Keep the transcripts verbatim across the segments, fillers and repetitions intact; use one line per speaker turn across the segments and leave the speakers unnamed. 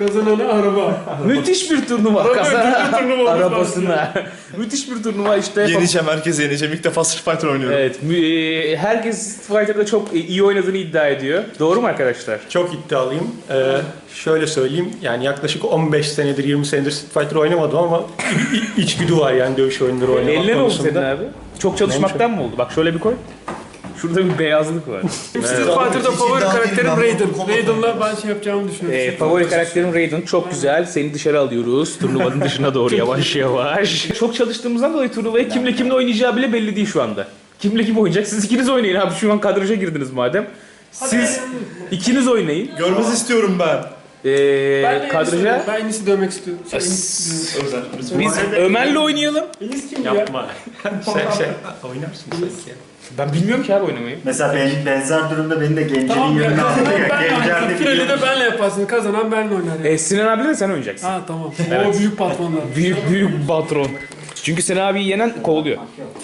Kazananı araba.
Müthiş bir turnuva.
Araba
Kazanan
ödüllü turnuva olmuş
arabasına. Müthiş bir turnuva işte.
Yeneceğim, herkese yeneceğim. İlk defa Street Fighter oynuyorum.
Evet. mü- e, Herkes Street Fighter'da çok iyi oynadığını iddia ediyor. Doğru mu arkadaşlar?
Çok iddialıyım. Ee, şöyle söyleyeyim, yani yaklaşık on beş senedir, yirmi senedir Street Fighter oynamadım ama i- i- içgüdü var yani dövüş oyunları oynamak
Eline ne oldu
konusunda.
senin abi? Çok çalışmaktan mı oldu? Bak şöyle bir koy. Şurada bir beyazlık var.
Street Fighter'da favori karakterim Raiden. Raiden'la ben şey yapacağımı düşünüyorum.
Ee, favori karakterim Raiden. Çok güzel. Seni dışarı alıyoruz. Turnuvanın dışına doğru yavaş yavaş. Çok çalıştığımızdan dolayı turnuvaya kimle kimle oynayacağı bile belli değil şu anda. Kimle kim oynayacak? Siz ikiniz oynayın abi. Şu an kadraja girdiniz madem. Siz ikiniz oynayın.
Görmez istiyorum ben.
Ee,
Ben de
kadraja.
Enis'i- Ben Enis'i dövmek istiyorum. Şey, Enis-
Özel.
Biz Ömer'le oynayalım.
Enis kim ya?
Yapma. sen şey oynarsın sanki.
Ben bilmiyorum ki abi oynamayı.
Mesela ben, benzer durumda beni de Gencer'in
Tamam ya,
yanına aldı
kazanan
ya.
benle
Gencer
oynarsın.
de
Finali de
biliyormuş.
benle yaparsın. Kazanan benle oynar yani.
Ee, Sinan abiyle de sen oynayacaksın.
Ha tamam.
Evet.
O büyük patronlar.
Büyük büyük patron. Çünkü Sinan abiyi yenen kovuluyor.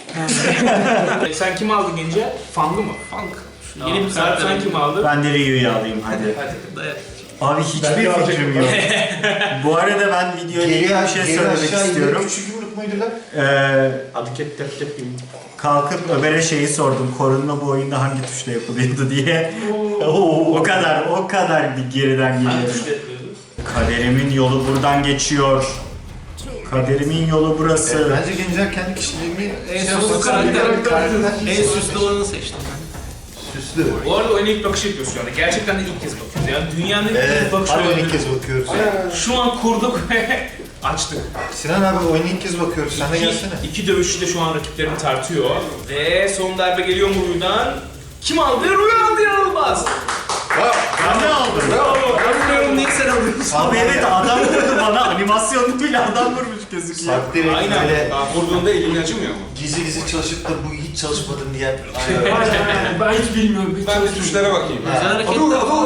Sen kim aldın Gence? Fangı mı? Fang. Yeni bir saat sen kim aldın?
Ben de Ryu'yu alayım hadi. Abi hiçbir fikrim yok. Bu arada ben videoya ilgili bir şey söylemek istiyorum.
Küçük yumruk muydu lan?
Ee,
Hareket tep tep gibi.
kalkıp Ömer'e şeyi sordum. Korunma bu oyunda hangi tuşla yapılıyordu diye. o kadar, o kadar bir geriden geliyor. Kaderimin yolu buradan geçiyor. Kaderimin yolu burası.
Bence Gencer kendi kişiliğini
En süslü karakter, en süslü olanı seçtim ben.
süslü.
Bu arada oyuna ilk bakışı yapıyoruz şu anda. Gerçekten de ilk kez bakıyoruz. Yani dünyanın
Evet,
ilk bakışı
harbiden ilk
oyunu.
kez bakıyoruz.
Şu an kurduk ve açtık.
Sinan abi oyunu ilk kez bakıyoruz. Sen de
İki,
gelsene.
iki dövüşçü de şu an rakiplerini tartıyor. Ve son darbe geliyor mu Ruy'dan? Kim aldı? Ruy aldı, inanılmaz.
Ben ne aldım?
Ben bilmiyorum neyi sen alıyorsun.
Abi evet adam vurdu bana. Animasyonlu bile adam vurmuş gözüküyor.
Bak direkt böyle
Vurduğunda elin acımıyor mu?
gizli gizli çalışıp da bu hiç çalışmadım diyen.
Aynen. Ben hiç bilmiyorum. Hiç
Ben de
çalışmıyorum.
tuşlara bakayım. Güzel hareketler.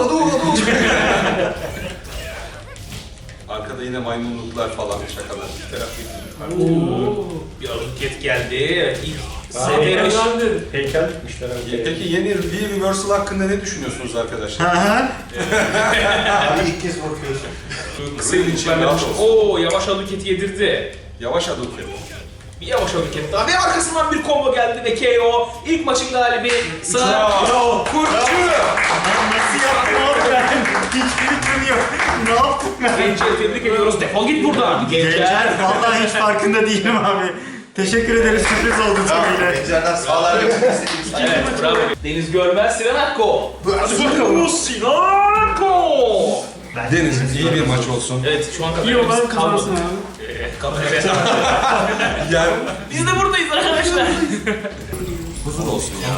Arkada yine maymunluklar falan şakalar. Terapi.
Oo, bir hareket geldi. Evet, ilk seviyeli.
Kazandı.
Heykel dikmişler abi.
Peki yeni V-Reversal hakkında ne düşünüyorsunuz arkadaşlar?
Hı hı.
Abi ilk kez bakıyorsun.
Kısa yılışlarla Oo, yavaş hareketi yedirdi.
Yavaş adım ki.
Bir yavaş hareket daha ve arkasından bir combo geldi ve K O. İlk maçın galibi Sıra Kurtçu.
Nasıl yaptım abi ben? Hiçbir fikrim yok. Ne yaptım ben?
Gençleri tebrik ediyoruz. Defol git buradan.
Gencer vallahi hiç farkında değilim abi. Teşekkür ederiz, sürpriz oldu tabii.
Gencer'den sağlar yapmak istediğimiz için.
Evet, bravo. Deniz Görmez, Sinan Akko. Hadi bakalım. Sinan Akko.
Deniz iyi bir maç olsun.
Evet, şu an
İyi olan
kameramız
kazansın
kalmadı.
abi.
Ee, kameraya
Yani
Biz de buradayız arkadaşlar.
huzur olsun ya.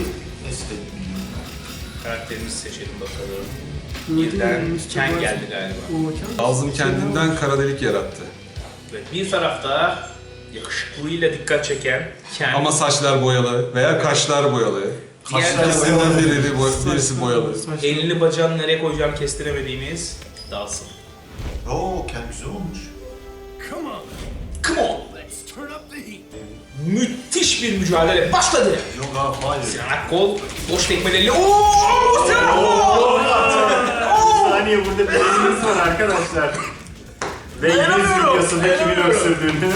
Karakterimizi seçelim bakalım. Birden Ken geldi galiba.
Ağzım kendinden kara delik yarattı.
Ve bir tarafta yakışıklılığıyla dikkat çeken Ken.
Ama saçlar boyalı veya kaşlar boyalı. İkisinden biri, boy- birisi boyalı.
elini bacağını nereye koyacağını kestiremediğimiz Dawson.
Oo kendi güzel olmuş.
Come on! Müthiş bir mücadele başladı.
Yok abi hayır.
Sinan Akkol boş tekmeleriyle ooo Sinan Akkol!
Bir saniye burada bir elimiz var arkadaşlar. Ve yüz videosunda kimin öksürdüğünü.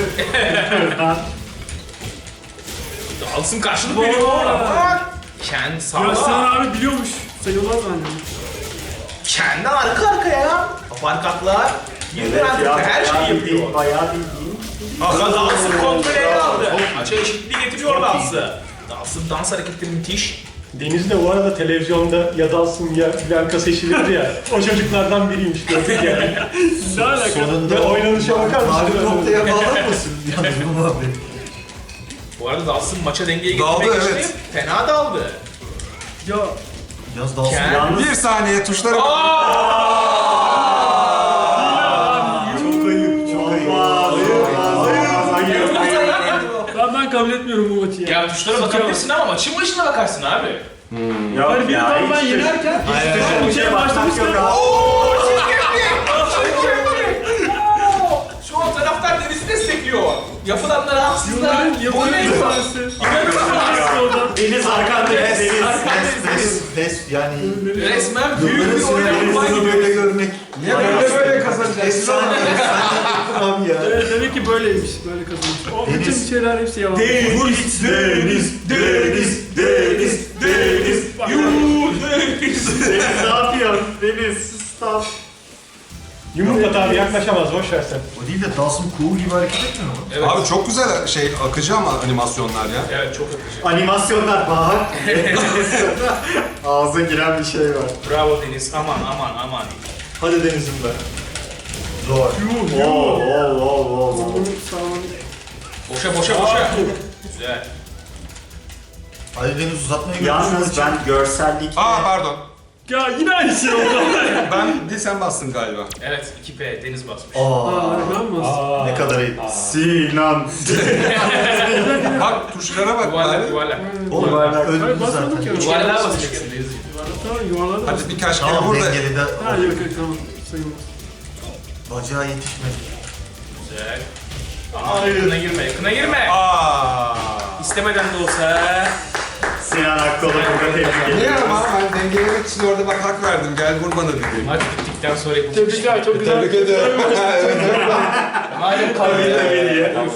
Dawson karşılık veriyor. Ken
Ya
sağda.
Sinan abi biliyormuş. Sayılmaz bence.
Ken de arka arkaya. Aparkatlar. Birden
Evet ya,
her şeyi
bayağı
yapıyor.
bildiğin, bayağı bildiğin.
Ama Dawson kontrolü ele aldı. Maça eşitliği getiriyor Dawson. Dawson dans hareketleri müthiş.
Deniz de bu arada televizyonda ya Dalsın ya Blanka seçilirdi ya. O çocuklardan biriymiş gördük yani.
Ne alaka?
Sonunda
Ve oynanışa bakar mısın?
Mavi noktaya bağlanmasın yalnız bu muhabbet.
Bu arada Dawson maça dengeye
Daldı,
getirmek
evet.
için fena daldı.
Ya
Yaz dalsın.
Ken-
Yalnız
Bir saniye tuşlara bak.
çok ayıp, çok ayıp. Hayır, hayır.
ben, ben kabul etmiyorum bu maçı ya.
Ya tuşlara bakabilirsin ama maçın başına bakarsın abi.
Yok
Hani bir
ya,
adam ben
hiç-
yenerken
hiç-
bir şey başlamıştı.
yok abi.
Şu an taraftar Deniz'i destekliyor. Yapılanlara haksızlar.
Yılların
Boyun
yılların
eğiyor.
tanesi. İnanılmaz oldu.
Deniz arkanda, Deniz.
Des, des, des yani.
Resmen büyük bir
Yılların
oynanma
sinirlerini
gibi.
böyle görmek.
Niye böyle böyle
Efsane. Abi ya.
Evet, demek ki böyleymiş. Böyle kazanmış. O bütün
Deniz.
şeyler hepsi yalan.
Deniz, deniz, deniz, deniz, deniz.
Deniz ne yapıyorsun? Deniz stop.
Yumrukla abi yaklaşamaz, boş ver sen.
O değil de Dawson Cool gibi hareket etmiyor mu?
Evet.
Abi çok güzel şey akıcı ama animasyonlar ya.
Evet çok akıcı.
Animasyonlar bak. Ağza giren bir şey var.
Bravo Deniz. Aman aman aman.
Hadi Deniz'im be.
Zor.
Oo oo oo oo.
Boşa boşa boşa. Güzel.
Ali Deniz uzatmaya götürsün.
Yalnız ben görsellikle...
Aa pardon.
Ya yine aynı şey oldu.
Ben değil sen bastın galiba.
Evet iki P Deniz basmış.
Aa,
Aa, ben mi bastım?
ne kadar iyi.
Sinan.
Bak tuşlara bak.
Yuvarlak
bari.
yuvarlak.
Oğlum
Hayır,
öldürdü
basmadık
zaten.
ya.
Yuvarlığa basacaksın Deniz'ciğim.
Tamam, yuvarladı.
Hadi birkaç kere
Tamam
vur da.
dengeli de.
Ha yok yok tamam. Sayılmaz.
Bacağı yetişmedi.
Güzel. Aa, yakına girme yakına girme.
Aa.
İstemeden de olsa.
Sinan Akkol'u burada tebrik
Niye
ediyoruz.
ama ben dengelemek için orada bak hak verdim. Gel vur bana dedi.
Maç bittikten sonra yapılmış.
Tebrikler, çok güzel.
Tebrik ediyorum.
Madem kavga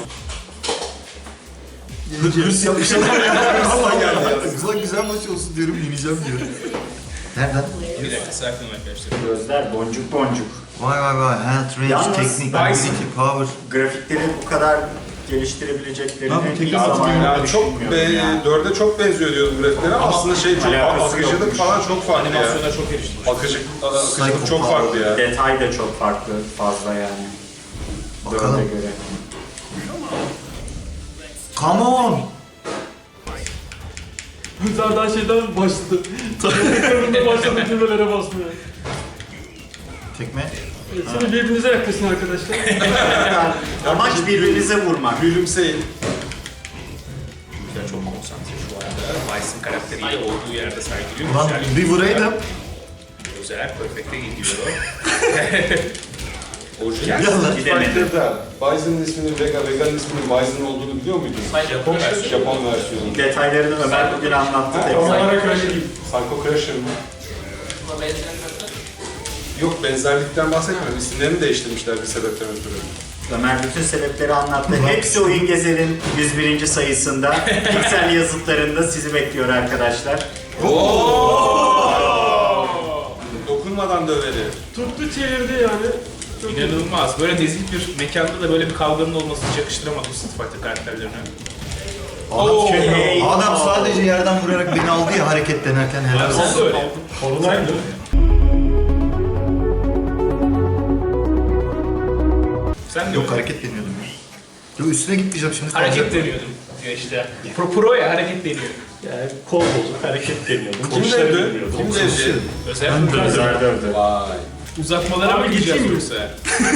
Hırs yapışalım. Allah geldi ya. Güzel güzel maç olsun diyorum, yeneceğim diyorum. Nereden?
Bir dakika sakin arkadaşlar.
Gözler boncuk boncuk.
Vay vay vay. Hand range,
Yalnız
teknik,
ben-
ability, power.
Grafikleri bu kadar geliştirebileceklerini
Abi,
ilk
teknik
zamanlarda
Yani çok be,
düşünmüyorum yani.
dörde çok benziyor diyordum grafiklere ama aslında şey çok
alakası
akıcılık
yokmuş.
falan çok farklı ya.
Animasyonlar çok eriştim.
Akıcılık, akıcılık çok farklı ya.
Detay da çok farklı, fazla yani.
Bakalım.
Dörde göre.
Come on.
Güzel daha şeyden başladı. Karında başladı cümlelere basmaya.
Tekme.
Evet, şimdi birbirinize yaklaşın arkadaşlar.
Amaç birbirinize vurmak.
Gülümseyin.
Güzel çok konsantre şu anda. Vice'ın karakteriyle olduğu yerde sergiliyor.
Ulan
Güzel.
bir vuraydım.
Güzel. Perfect'e gidiyor.
Orijinal
Yalan.
Fighter'da Bison'ın isminin Vega, Vega'nın isminin Bison olduğunu biliyor muydun?
Japon versiyonu.
Japon versiyonu.
Detaylarını Ömer bugün anlattı tekrar.
Olarak öyle değil.
Psycho Crusher mı? Yok benzerlikten bahsetmiyorum. İsimlerini değiştirmişler bir sebepten ötürü.
Ömer bütün sebepleri anlattı. Hepsi Oyun Gezer'in yüz birinci sayısında, piksel yazıtlarında sizi bekliyor arkadaşlar.
Dokunmadan döveri.
Tuttu çevirdi yani. Çok iyi.
İnanılmaz. Böyle nezih bir mekanda da böyle bir kavganın olması hiç yakıştıramadım Street Fighter karakterlerine.
Adam,
Hey.
adam sadece yerden vurarak beni aldı ya hareket denerken helal olsun.
Sen de öyle.
Kolunaydı.
Sen de
Yok
öyle.
hareket deniyordum. Yok üstüne gitmeyeceğim şimdi.
Hareket deniyordum. Ya işte. Pro, pro ya hareket deniyor.
Yani kol bozuk, hareket deniyordum.
Kim
Kuşları
dövdü?
bilmiyordum.
Kim dövdü?
Özel
Özel dövdü.
Vay.
uzatmalara mı
Abi
gideceğiz
geçeyim mi?
yoksa?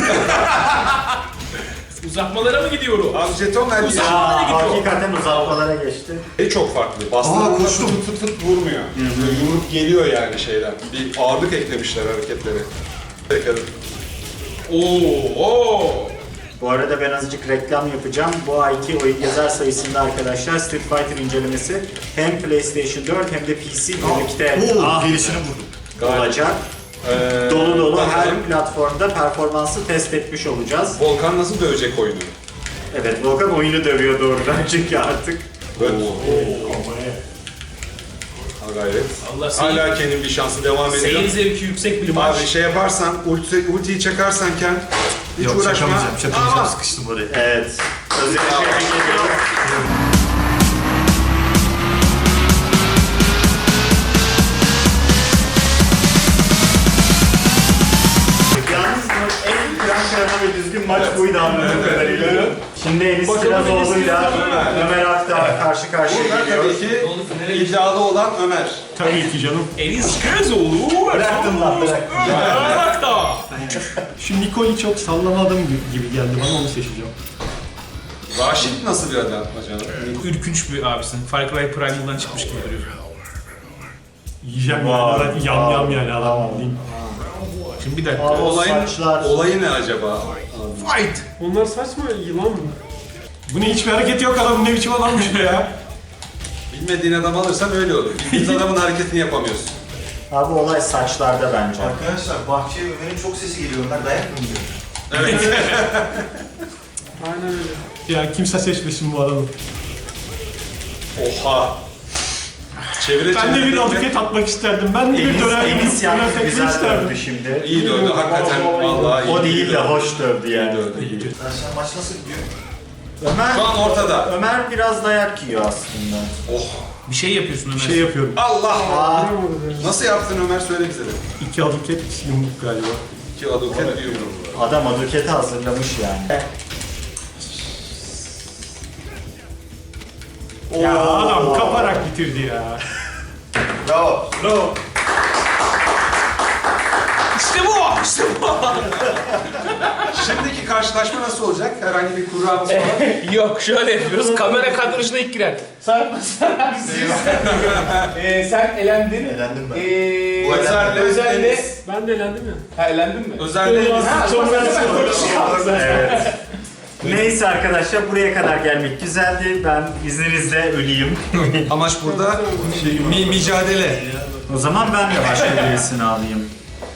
Uzatmalara mı gidiyorum?
Abi jeton ver bir
Aa, hakikaten uzatmalara geçti.
şey çok farklı. Bastığında
Aa,
fıt
koştum.
fıt fıt fıt vurmuyor. Böyle yumruk geliyor yani şeyden. Bir ağırlık eklemişler hareketlere. Bakalım.
Oo, oo.
Bu arada ben azıcık reklam yapacağım. Bu ayki Oyun Gezer sayısında arkadaşlar Street Fighter incelemesi hem PlayStation dört hem de P C birlikte
Oo, gelişini vurdum.
olacak.
Ee,
Dolu dolu her
bakalım.
platformda performansı test etmiş olacağız.
Volkan nasıl dövecek oyunu?
Evet, Volkan oyunu dövüyor doğrudan çünkü artık.
Böyle. Ha gayret.
Allah seyir,
Hala Ken'in bir şansı devam ediyor.
seyir zevki yüksek bir maç.
Abi şey yaparsan, ulti, ultiyi çakarsan Ken, hiç
Yok
uğraşma.
çakamayacağım, çakamayacağım.
Ama
Sıkıştım oraya.
Evet. Özellikle tebrik ediyorum. Yalnız bu en kıran kırana ve düzgün maç buydu anladığım kadarıyla. Şimdi Enis Kirazoğlu'yla Ömer Akdağ karşı karşıya
burada
geliyor.
tabii ki iddialı olan Ömer.
Tabii ki canım.
Enis Kirazoğlu.
Bıraktım lan bıraktım.
Bırak da.
Şu Nicole'i çok sallamadım gibi geldi bana, onu seçeceğim.
Raşit nasıl bir adam acaba?
Ürkünç bir abisin. Far Cry Primal'dan çıkmış gibi duruyor.
Yiyeceğim yani. Yam yam yani adam diyeyim.
Şimdi bir dakika.
Abi,
Olayın,
saçlar.
olayı ne acaba?
Fight.
Onlar saçma yılan mı?
Bu ne, hiçbir hareket yok, adam ne biçim adammış bu ya.
Bilmediğin adam alırsan öyle olur. Bildiğin adamın hareketini yapamıyorsun.
Abi olay saçlarda bence.
Arkadaşlar bahçeye Ömer'in çok sesi geliyor. Onlar dayak mı yiyor?
Aynen öyle.
Ya kimse seçmesin bu adamı.
Oha. Çevire
Ben de bir
çevire-
aduket atmak isterdim. Ben de bir
Enis,
dönem
Enis yani
dönem tekme
güzel
isterdim.
dövdü şimdi.
İyi dövdü hakikaten vallahi iyi.
O değil de
dövdü.
hoş dövdü
İyi
yani.
dövdü, iyi dövdü.
Arkadaşlar maç nasıl gidiyor?
Ömer,
Şu an ortada.
Ömer biraz dayak yiyor aslında.
Oh.
Bir şey yapıyorsun Ömer.
Bir şey yapıyorum.
Allah.
Aa,
Nasıl yaptın Ömer söyle bize de.
İki aduket yumruk galiba.
İki aduket bir yumruk.
adam aduketi hazırlamış yani.
Ya adam kaparak bitirdi ya.
Bravo.
Bravo.
İşte bu! İşte bu!
Şimdiki karşılaşma nasıl olacak? Herhangi bir kuralımız falan.
Yok şöyle yapıyoruz. Kamera kadrajına ilk girer. Sarp sen ee, sen elendin.
Eğlendim ben.
Ee,
Bu Özer'le
Özer'le...
Ben de eğlendim ya.
Ha elendin mi?
Özellikle
Ha, çok
Evet. Neyse arkadaşlar buraya kadar gelmek güzeldi. Ben izninizle öleyim.
amaç burada mi mücadele.
O zaman ben de başka birisini alayım.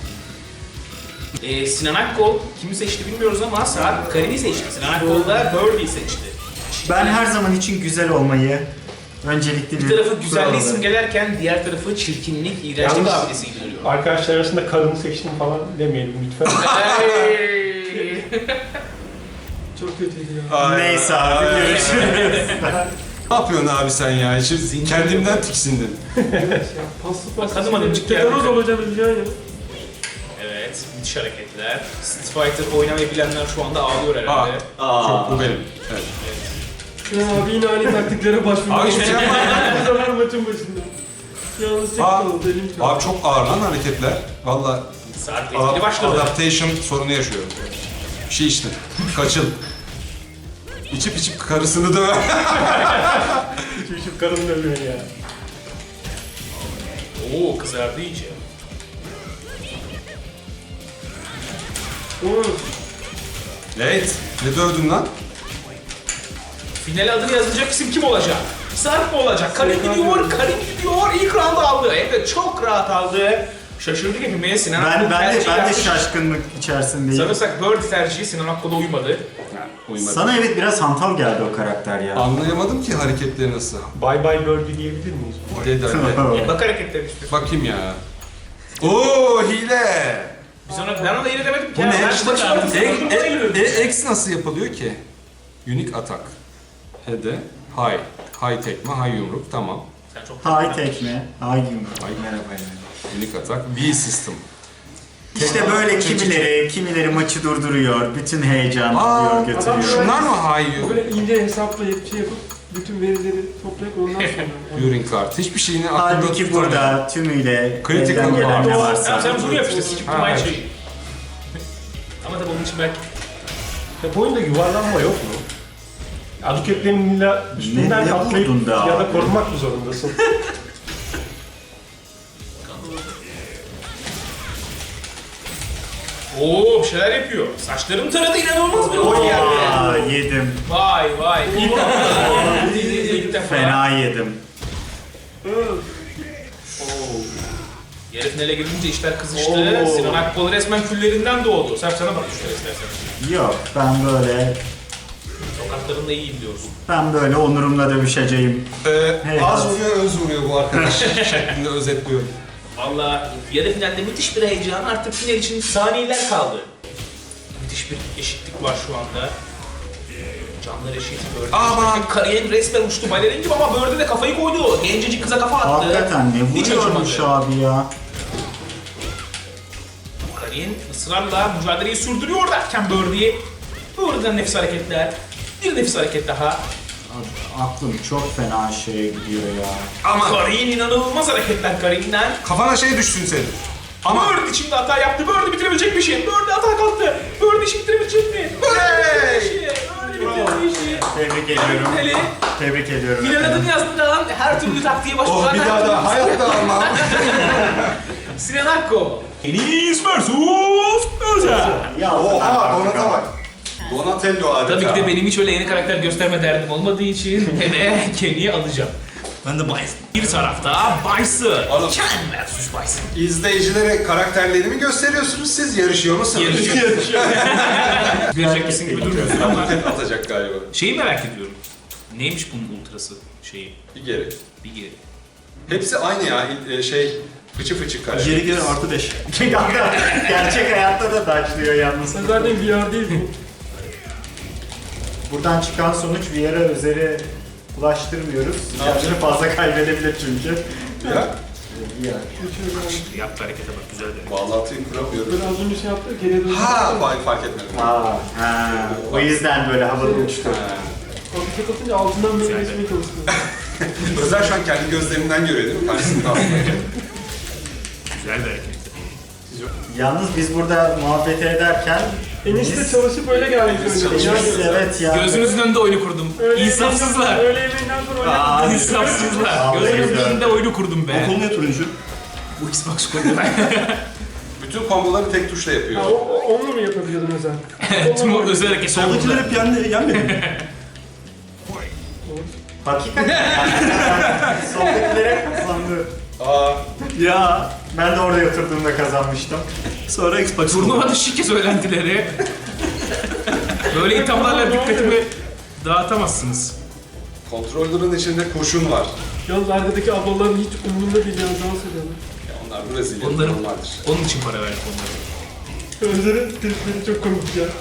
Ee, Sinan Akkol kimi seçti bilmiyoruz ama Sarp Karin'i seçti. Sinan Akkol da Birdie'yi seçti.
Ben her zaman için güzel olmayı öncelikli
Bir
bir
tarafı güzelliği
kural
simgelerken diğer tarafı çirkinlik, iğrençlik
Yalnız-
abidesi gibi duruyor.
Arkadaşlar arasında karını seçtim falan demeyelim lütfen.
Hey!
Çok kötüydü ya.
olarak. Neyse abi görüşürüz.
Ne yapıyorsun abi sen ya? Şimdi kendimden tiksindim.
Paslı paslı.
Bakalım hanım, çık
Tetanos
geldi.
olacağını biliyorsun ya.
Evet, müthiş hareketler. Street Fighter oynamayı bilenler şu anda ağlıyor
Aa,
herhalde.
çok bu benim. Evet.
Ya abi yine aynı taktiklere başvurdu.
Abi hiçbir şey yapmadım.
Bu sefer maçın başında. Yalnız tek
Aa,
kaldı, elim kaldı.
Abi çok ağır lan hareketler. Valla
Sarp etkili başladı.
adaptation sorunu yaşıyorum. Bir şey içtim. Kaçıl. İçip içip karısını döver.
Hiç içip karını dövüyor ya.
Oo, kızardı iyice.
Oğlum,
Evet. Ne dövdün lan?
Final adını yazacak isim kim olacak? Sarp mı olacak? Karin gidiyor, Karin gidiyor. İlk round aldı. Hem de çok rahat aldı. Şaşırdık hepimiz. Sinan
Ben,
Akkol
ben de
tercih
ben de
yapmış.
şaşkınlık içerisindeyim.
Sanırsak Birdie tercihi Sinan Akkol'a uymadı.
Uymadı.
Sana evet biraz hantal geldi o karakter ya.
Anlayamadım ki hareketleri nasıl.
Bye bye birdie diyebilir miyiz?
Dedi öyle.
Bak hareketleri işte.
Bakayım ya. Oo hile.
Biz ona, ben ona yine demedim ki.
Bu ne?
Ben işte çıkardım.
E, e, e, X nasıl yapılıyor ki? Unique attack. Hede. High. High tekme, high yumruk. Tamam.
Sen çok
Hay tekme, hay yumruk.
Ay.
Merhaba yani.
Unique attack. V system.
İşte böyle kimileri, kimileri maçı durduruyor, bütün heyecanı
Aa,
alıyor, götürüyor.
Şunlar mı high yumruk?
böyle ince hesaplayıp şey yapıp bütün verileri toplayıp ondan sonra.
During card. Hiçbir şeyini aklımda
Halbuki
tutamıyorum.
burada tümüyle
Critical
elden gelen ne
power.
varsa.
Tamam sen bunu yap işte. Sikip
Ha,
aynı
evet.
şeyi. Ama tabii onun için belki
Ya bu oyunda yuvarlanma yok mu? Aduketlerin illa üstünden
Ne- ne
atlayıp
vurdun be
ya da
abi?
korumak mı zorundasın?
Oo bir şeyler yapıyor. Saçlarım taradı inanılmaz bir olay geldi.
Aa, yedim.
Vay vay. İlk defa. İlk defa.
Fena yedim.
Yarı finale girince işler kızıştı. Sinan Akkol resmen küllerinden doğdu. Sen sana bak şöyle istersen.
Yok, ben böyle,
Sokaklarında iyi gidiyorsun.
ben böyle onurumla dövüşeceğim.
Ee,
Hey,
az
az.
vuruyor, öz vuruyor bu arkadaş şeklinde özetliyorum.
Valla yarı finalde müthiş bir heyecan. Artık final için saniyeler kaldı. Müthiş bir eşitlik var şu anda. Canlar eşit. Birdie
Aman!
eşit. Kariyer resmen uçtu balerin gibi ama Birdie de kafayı koydu. Gencecik kıza kafa attı.
Hakikaten ne
Hiç
vuruyormuş
acımadı.
abi ya.
Karin ısrarla mücadeleyi sürdürüyor derken Birdie. Birdie'den nefis hareketler. Bir nefis hareket daha.
Aklım çok fena şeye gidiyor ya.
Ama
Karin inanılmaz hareketler Karin'den.
kafana şey düşsün senin. Ama
Ama Birdie şimdi hata yaptı. Birdie bitirebilecek bir şey. Birdie hata kalktı. Birdie işi bitirebilecek mi? Birdie bitirdi işi. Birdie bitirdi işi.
Tebrik ediyorum.
Finali,
Tebrik ediyorum.
final adını yazdıran her türlü taktiğe başvuran
oh bir
her
daha
türlü-
da hayatta almam.
Sinan Akko. Enis versus Özer.
Ya,
Oha Donat'a bak. Donatello adeta.
Tabii ki de benim hiç öyle yeni karakter gösterme derdim olmadığı için Kenny'e Kenny'yi alacağım.
Ben de Bison.
Bir tarafta Bison. Ken versus Bison.
İzleyicilere karakterlerimi gösteriyorsunuz, siz yarışıyor musunuz?
Yarışıyor. Görecek kesin gibi durmuyorsun ama.
Atacak galiba.
Şeyi merak ediyorum. Neymiş bunun ultrası şeyi?
Bir geri.
Bir geri.
Hepsi aynı ya, e, şey, fıçı fıçı karakter.
Geri geri artı beş.
Gerçek hayatta da taşlıyor yalnız.
Zaten V R değil bu.
Buradan çıkan sonuç V R'a üzeri ulaştırmıyoruz. Kendini fazla kaybedebilir çünkü.
Ya,
Yaptı harekete bak güzel de.
bağlantıyı kuramıyorum.
Böyle az önce şey yaptı, geriye döndü.
Ha, fark, fark etmedim.
Aa, ha. O yüzden böyle havada uçtu.
Ha.
O bir tek atınca altından böyle geçmeye çalışıyor.
Özel şu an kendi gözlerimden görüyor değil mi? Karşısında aslında.
Güzel bir hareket.
Yalnız biz burada muhabbet ederken
Enişte çalışıp öyle gelmiş önce.
biz, evet ya.
Gözünüzün önünde oyunu kurdum. İnsafsızlar.
Öğle yemeğinden sonra oynadım.
Aa,
İnsafsızlar.
Vallahi
Gözünüzün
güzel.
önünde oyunu kurdum be.
Kol niye turuncu?
Bu Xbox kurdum.
Bütün komboları tek tuşla yapıyor.
Ha, o, o, onunla mı yapabiliyordun özel?
Tüm o özel hareketler
Soldakiler
burada.
hep yendi, yenmedi mi?
Hakikaten yani. Soldakilere kazandı.
Aa,
Ya ben de orada oturduğumda kazanmıştım.
Sonra Xbox.
Turnuvada şike söylentileri. Böyle ithamlarla dikkatimi dağıtamazsınız.
kontrolörün içinde kurşun var.
Yalnız arkadaki ablaların hiç umurunda değil ya, dans ediyorlar.
Ya onlar Brezilya
Onların,
normaldir.
onun için para verdik onlara.
Özler'in tripleri çok komik ya.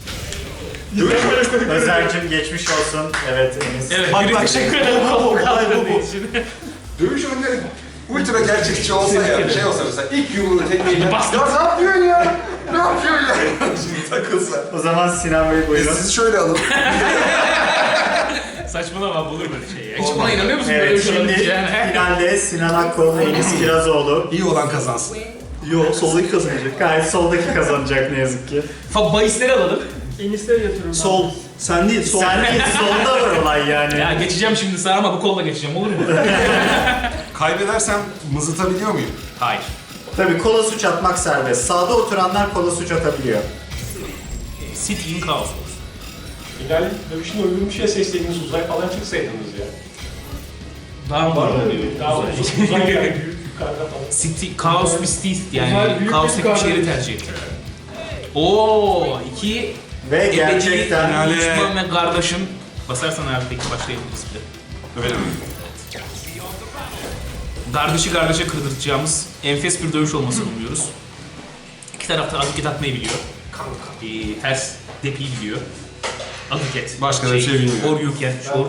Özer'cim geçmiş olsun. Evet Enis.
Evet,
Bak
biri
bak
teşekkür
şey.
ederim.
Bu bu olay bu bu.
Dövüş oyunları ultra gerçekçi olsa ya, şey olsa mesela ilk yumruğu tekmeyle ya ne yapıyorsun ya? Ne yapıyorsun ya? Şimdi takılsa.
O zaman Sinan Bey
E
buyurun.
sizi şöyle alın.
Saçmalama olur böyle şey ya. Hiç buna inanıyor musun böyle
Evet
bir şey
şimdi
olabileceğine?
finalde Sinan Akkol, Enis Kirazoğlu.
İyi olan kazansın.
Yo soldaki kazanacak.
Gayet soldaki kazanacak ne yazık ki.
Fa bahisleri alalım.
Enişte yatırıyorum.
Sol. Sen değil sol.
Sen değil solda var olay yani.
Ya geçeceğim şimdi sağa ama bu kolla geçeceğim olur mu?
Kaybedersem mızıtabiliyor muyum?
Hayır.
Tabii kola suç atmak serbest. Sağda oturanlar kola suç atabiliyor.
City in Chaos.
İlal dövüşün öldürmüşe seslendiğiniz uzay falan çıksaydınız ya.
Daha
Var
mı?
mı öyle bir? Daha uzay yani büyük yukarıda falan.
City, Chaos Mystic
Uzay
yani
büyük
Chaos'taki
bir
bir şehri
kahve.
tercih etti. Oo, iki
Ve
ebedi
gerçekten
finale-
düşman ve kardeşim. Basarsan abi peki başlayabiliriz bile.
Öyle mi?
Kardeşi kardeşe kırdıracağımız enfes bir dövüş olmasını umuyoruz. İki tarafta aduket atmayı biliyor. Ee, ters depiyi biliyor. Aduket.
Başka da bir şey bilmiyor.
Or you can. Or.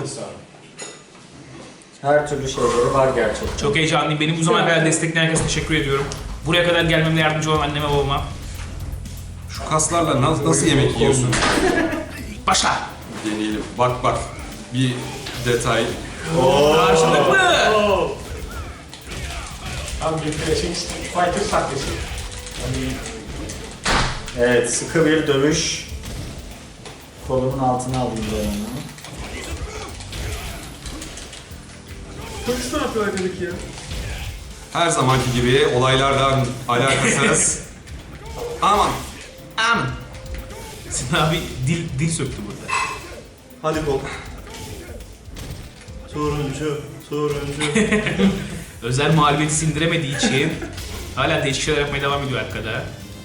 her türlü şeyleri var gerçekten.
Çok heyecanlıyım. Beni bu zamana kadar destekleyen herkese teşekkür ediyorum. Buraya kadar gelmemde yardımcı olan anneme babama.
Şu kaslarla nasıl, nasıl yemek yiyorsun?
Başla.
Deneyelim. Bak bak. Bir detay.
Karşılıklı.
Tam bir klasik Street Fighter sahnesi.
Evet sıkı bir dövüş. Kolumun altına alayım ben onu.
Polis ne yapıyor arkadaki ya?
Her zamanki gibi olaylardan alakasız. Aman.
Aman. Sinan abi dil, dil söktü burada.
Hadi kol. Turuncu, turuncu.
Özel mağlubiyeti sindiremediği için hala değişik şeyler yapmaya devam ediyor arkada.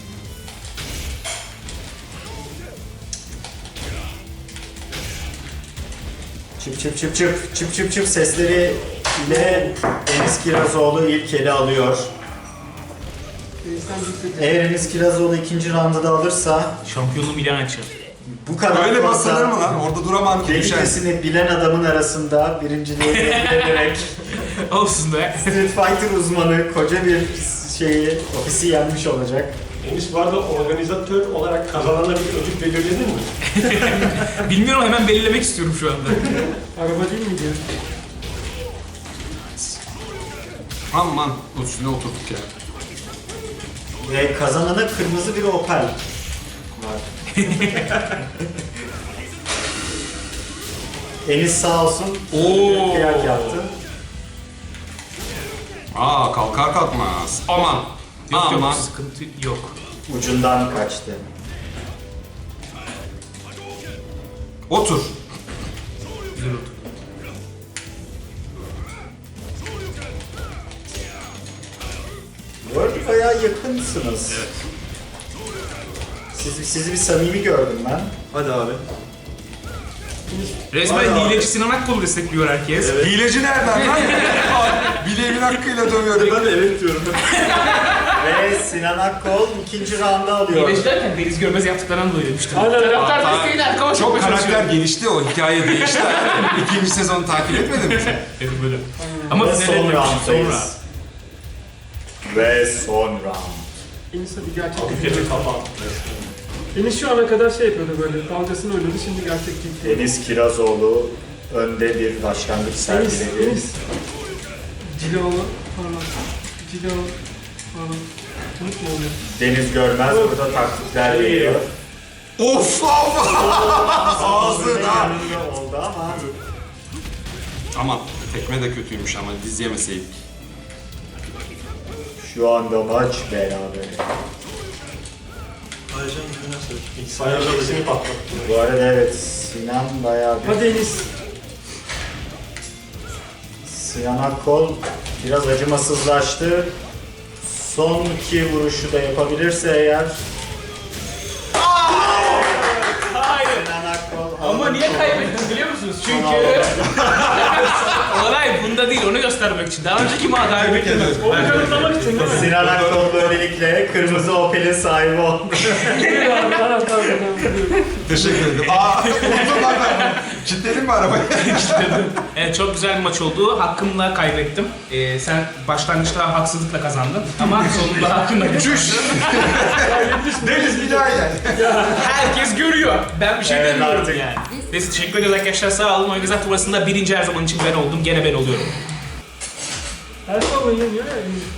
Çıp çıp çıp çıp çıp çıp çıp sesleri ile Enis Kirazoğlu ilk eli alıyor.
Enişten bir
Eğer Enis Kirazoğlu ikinci roundu da alırsa
Şampiyonluğu Milan açar.
bu kadar
Öyle
fazla
basılır mı lan? Orada duramam ki düşer.
delicesini bilen adamın arasında birinciliği elde ederek
Olsun be.
Street Fighter uzmanı koca bir şeyi, ofisi yenmiş olacak.
Enis bu arada organizatör olarak kazanana bir ödül belirledin mi?
Bilmiyorum hemen belirlemek istiyorum şu anda.
araba değil miydi ya?
Aman üstüne oturduk ya.
Ve kazanana kırmızı bir Opel var. Enis sağ olsun.
Oo.
Kıyak yaptı.
Aa kalkar kalkmaz. Aman.
Yok
Aman.
yok sıkıntı yok.
Ucundan kaçtı.
Otur.
Güzel otur.
yakınsınız. Evet. Siz, sizi bir samimi gördüm ben.
Hadi abi.
Resmen hileci Sinan Akkol'u destekliyor herkes.
Hileci nereden lan? Bileğimin hakkıyla dövüyorum.
Ben de evet diyorum.
Ve Sinan Akkol ikinci rounda alıyor.
Hileci derken Deniz Görmez yaptıklarından dolayı demiştim.
Aynen.
Taraftar
Aa,
desteğiyle arkama
Çok
çok
karakter gelişti, o hikaye değişti. İkinci sezonu takip etmedin mi sen?
Evet böyle. Ama
Ve
finale
son
dönmüş, sonra.
rounddayız. Ve son round.
Enis hadi gerçek. Enis şu ana kadar şey yapıyordu böyle. Dalgasını oynadı şimdi gerçek gitti.
Deniz Kirazoğlu önde bir başlangıç
Enis,
sergiledi.
Enis. Cilaoğlu. Pardon. Cilaoğlu. Pardon. Unutma onu.
Deniz Görmez burada taktikler veriyor.
Of of!
Ağzına
Ağzına!
yanında oldu ama
Aman, tekme de kötüymüş ama diz yemeseydik.
şu anda maç beraber.
Ayağını patlattı.
Bu arada evet Sinan bayağı bir...
Hadi Enis.
Sinan Akkol biraz acımasızlaştı. Son iki vuruşu da yapabilirse eğer...
Hayır.
Sinan Akkol...
Ama niye kaybettin biliyor musunuz? Çünkü olay bunda değil, onu göstermek için. Daha önceki maç kaybettim.
Onu kanıtlamak için değil mi?
Sinan Akkol böylelikle kırmızı Opel'in sahibi oldu.
Tamam tamam tamam.
Teşekkür ederim. Aa, unuttum lan ben. Kilitledin mi arabayı?
Evet, çok güzel bir maç oldu. Hakkımla kaybettim. Ee, sen başlangıçta haksızlıkla kazandın ama sonunda hakkımla kazandın.
Deniz bir daha gel.
Herkes görüyor. Ben bir şey
Evet,
demiyorum
artık.
yani. Neyse, teşekkür ederiz arkadaşlar, sağ olun. Organizat turnuvasında birinci her zaman için ben oldum. Gene ben oluyorum.
Her zaman yeniyor ya.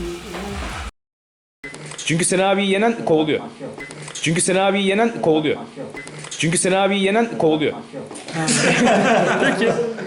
Çünkü Sen abiyi yenen kovuluyor. Çünkü Sen abiyi yenen kovuluyor. Çünkü Sen abiyi yenen kovuluyor.
Peki.